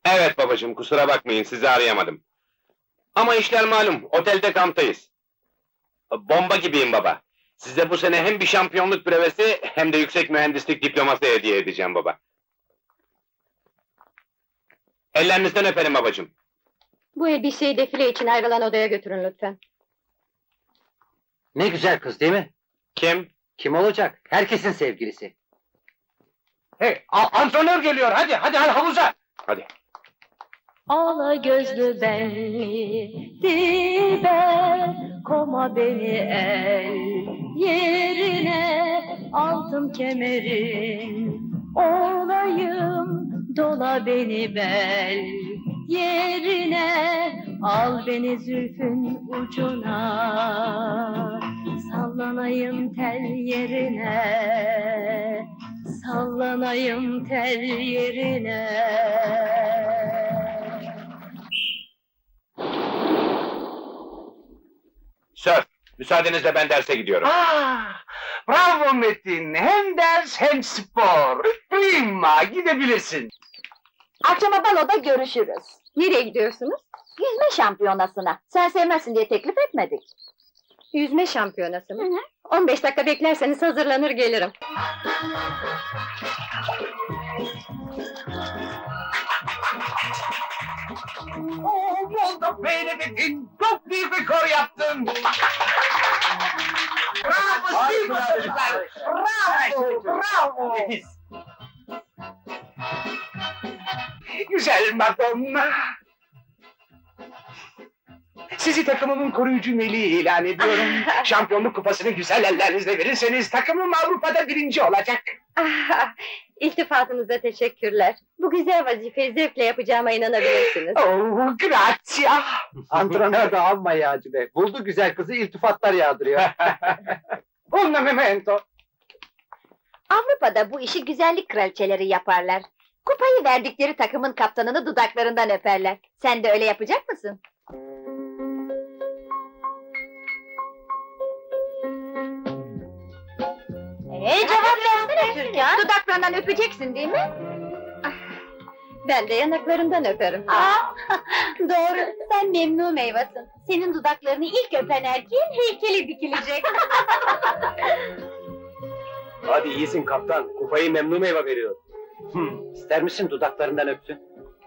Evet babacığım, kusura bakmayın, sizi arayamadım. Ama işler malum, otelde kamptayız. Bomba gibiyim baba. Size bu sene hem bir şampiyonluk brevesi hem de yüksek mühendislik diploması hediye edeceğim baba. Ellerinizden öperim babacığım. Bu elbiseyi defile için ayrılan odaya götürün lütfen. Ne güzel kız değil mi? Kim? Kim olacak? Herkesin sevgilisi. Hey, antrenör geliyor, hadi havuza! Hadi. Ala gözlü benli dilber, koma beni el yerine, altın kemerin olayım, dola beni bel yerine, al beni zülfün ucuna, sallanayım tel yerine, sallanayım tel yerine. Sir, müsaadenizle ben derse gidiyorum. Bravo Metin, hem ders hem spor. Prima, gidebilirsin. Akşama baloda görüşürüz. Nereye gidiyorsunuz? Yüzme şampiyonasına. Sen sevmezsin diye teklif etmedik. Yüzme şampiyonası mı? Hı hı. 15 dakika beklerseniz hazırlanır gelirim. Bulduk beyni Metin, çok büyük bir kor yaptın. Bravo Steve çocuklar, bravo. Güzel Madonna. Sizi takımımın koruyucu meleği ilan ediyorum. Şampiyonluk kupasını güzel ellerinizle verirseniz takımım Avrupa'da birinci olacak. İltifatınıza teşekkürler. Bu güzel vazifeyi zevkle yapacağıma inanabilirsiniz. Oh, grazie. Antrenör de alma Yağcı Bey. Buldu güzel kızı, iltifatlar yağdırıyor. Un momento. Avrupa'da bu işi güzellik kraliçeleri yaparlar. Kupayı verdikleri takımın kaptanını dudaklarından öperler. Sen de öyle yapacak mısın? Cevap versene Türkan. Dudaklarından öpeceksin değil mi? Ben de yanaklarından öperim. Doğru, sen memnun meyvasın. Senin dudaklarını ilk öpen erkeğin heykeli dikilecek. Hadi iyisin kaptan, kupayı memnun meyve veriyor. İster misin dudaklarından öpsün?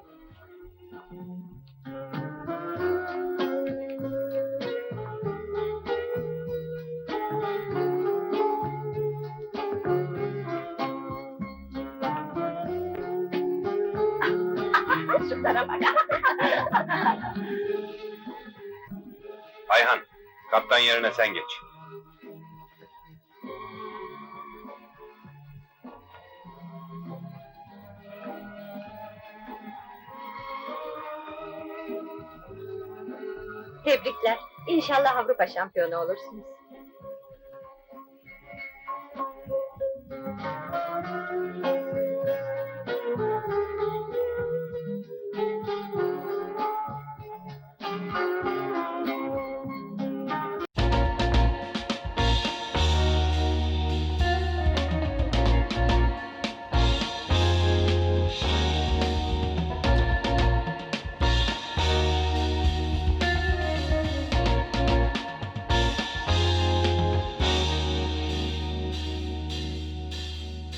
Şunlara bak. Ayhan, kaptan yerine sen geç. Tebrikler. İnşallah Avrupa şampiyonu olursunuz.